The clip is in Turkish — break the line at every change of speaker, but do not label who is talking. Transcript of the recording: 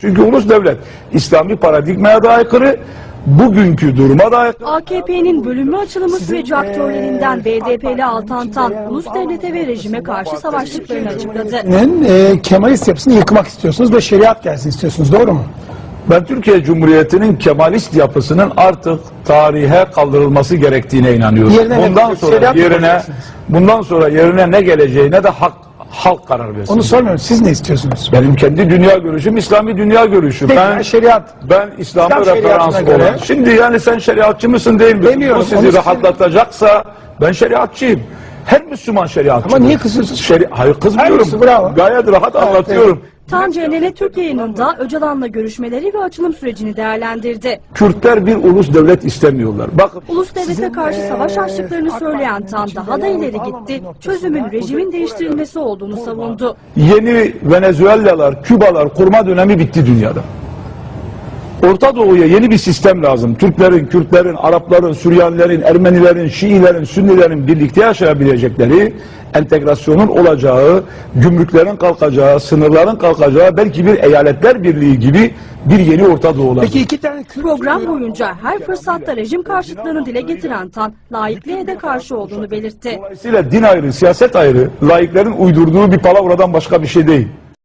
Çünkü ulus devlet İslami paradigmaya da aykırı, bugünkü duruma da aykırı.
AKP'nin bölünme açılımı süreci aktörlerinden BDP'li Altan Tan, ulus devlete ve rejime karşı savaştıklarını açıkladı.
Kemalist yapısını yıkmak istiyorsunuz ve şeriat gelsin istiyorsunuz, doğru mu?
Ben Türkiye Cumhuriyeti'nin Kemalist yapısının artık tarihe kaldırılması gerektiğine inanıyorum. Bundan sonra yerine ne geleceğine de halk karar versin.
Onu sormuyorum. Siz ne istiyorsunuz?
Benim kendi dünya görüşüm İslami dünya görüşü.
Peki, şeriat.
Ben İslam'a
İslam
referans
şeriatına göre.
olan. Şimdi yani sen şeriatçı mısın değil mi?
Demiyorum,
Bu sizi rahatlatacaksa ben şeriatçıyım. Her Müslüman şeriatçı.
Ama niye kızıyorsunuz?
Hayır, kızmıyorum.
Bravo.
Gayet rahat anlatıyorum.
Tan CNN Türk yayınında Öcalan'la görüşmeleri ve açılım sürecini değerlendirdi.
Kürtler bir ulus devlet istemiyorlar. Bakın.
Ulus devlete karşı savaş açtıklarını söyleyen Tan daha da ileri gitti. Çözümün rejimin değiştirilmesi olduğunu savundu.
Yeni Venezuelalar, Kübalar kurma dönemi bitti dünyada. Orta Doğu'ya yeni bir sistem lazım. Türklerin, Kürtlerin, Arapların, Süryanilerin, Ermenilerin, Şiilerin, Sünnilerin birlikte yaşayabilecekleri, entegrasyonun olacağı, gümrüklerin kalkacağı, sınırların kalkacağı, belki bir eyaletler birliği gibi bir yeni Orta Doğu olacak.
Peki iki tane
Program boyunca her fırsatta rejim karşıtlığını dile getiren Tan, laikliğe de karşı olduğunu belirtti.
Dolayısıyla din ayrı, siyaset ayrı, laiklerin uydurduğu bir palavradan başka bir şey değil.